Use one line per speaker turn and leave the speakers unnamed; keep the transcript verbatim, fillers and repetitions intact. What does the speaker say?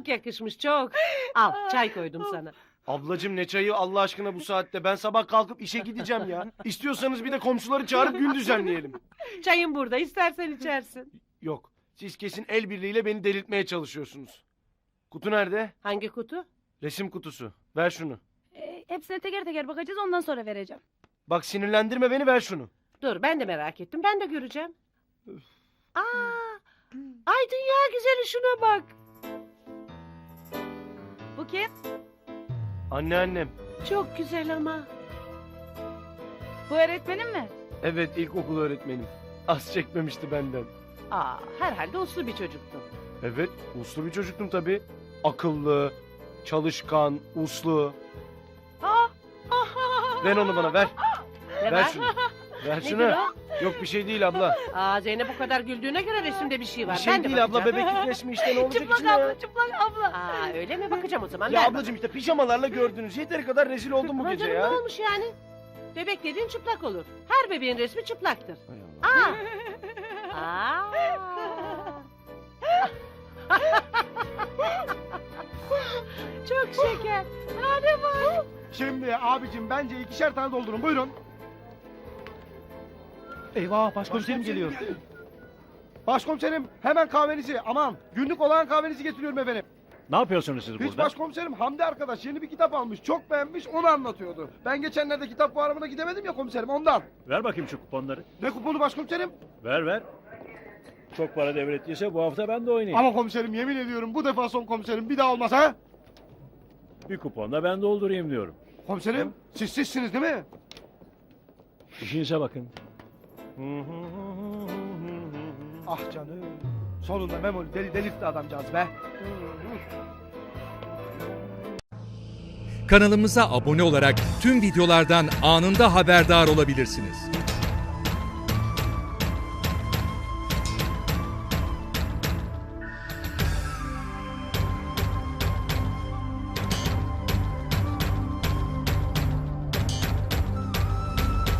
çok yakışmış çok. Al çay koydum sana.
Ablacım ne çayı Allah aşkına bu saatte? Ben sabah kalkıp işe gideceğim ya. İstiyorsanız bir de komşuları çağırıp gün düzenleyelim.
Çayın burada istersen içersin.
Yok. Siz kesin el birliğiyle beni delirtmeye çalışıyorsunuz. Kutu nerede?
Hangi kutu?
Resim kutusu. Ver şunu.
E, hepsine teker teker bakacağız, ondan sonra vereceğim.
Bak sinirlendirme beni, ver şunu.
Dur ben de merak ettim ben de göreceğim. Aa, ay dünya güzeli şuna bak.
Bu kim?
Anneannem.
Çok güzel ama.
Bu öğretmenin mi?
Evet, ilkokul öğretmenim. Az çekmemişti benden.
Aa, herhalde uslu bir çocuktun.
Evet, uslu bir çocuktum tabii. Akıllı, çalışkan, uslu.
Aa,
Ver onu bana, ver.
ne
Ver
var?
şunu. Ver
Nedir
şunu.
o?
Yok bir şey değil abla.
Aa, Zeynep bu kadar güldüğüne göre resimde bir şey var.
Bir şey
ben de
değil abla,
bakacağım.
bebeklik resmi işte, ne olacak
Çıplak
içinde ya?
abla, çıplak abla.
Aa, öyle mi? Bakacağım o zaman.
Ya
ver
ablacığım işte pijamalarla gördünüz. Yeteri kadar rezil oldum bu
bana. Aman
gece
canım,
ya.
ne olmuş yani? Bebek dediğin çıplak olur. Her bebeğin resmi çıplaktır.
Hay Allah.
Aa. Aa. Çok şeker. Hadi bak.
Şimdi abicim bence ikişer tane doldurun, buyurun. Eyvah, başkomiserim geliyor. Başkomiserim, hemen kahvenizi, aman günlük olan kahvenizi getiriyorum efendim.
Ne yapıyorsunuz siz
Hiç
burada?
başkomiserim, Hamdi arkadaş yeni bir kitap almış, çok beğenmiş, onu anlatıyordu. Ben geçenlerde kitap fuarına gidemedim ya komiserim, ondan.
Ver bakayım şu kuponları.
Ne kuponu başkomiserim?
Ver ver. Çok para devrettiyse bu hafta ben de oynayayım.
Ama komiserim, yemin ediyorum bu defa son komiserim, bir daha olmaz ha?
Bir kuponla ben doldurayım diyorum.
Komiserim, siz sizsiniz değil mi?
İşinize bakın.
Ah canım, sonunda Memoli deli delirtti adamcağız be.
Kanalımıza abone olarak tüm videolardan anında haberdar olabilirsiniz.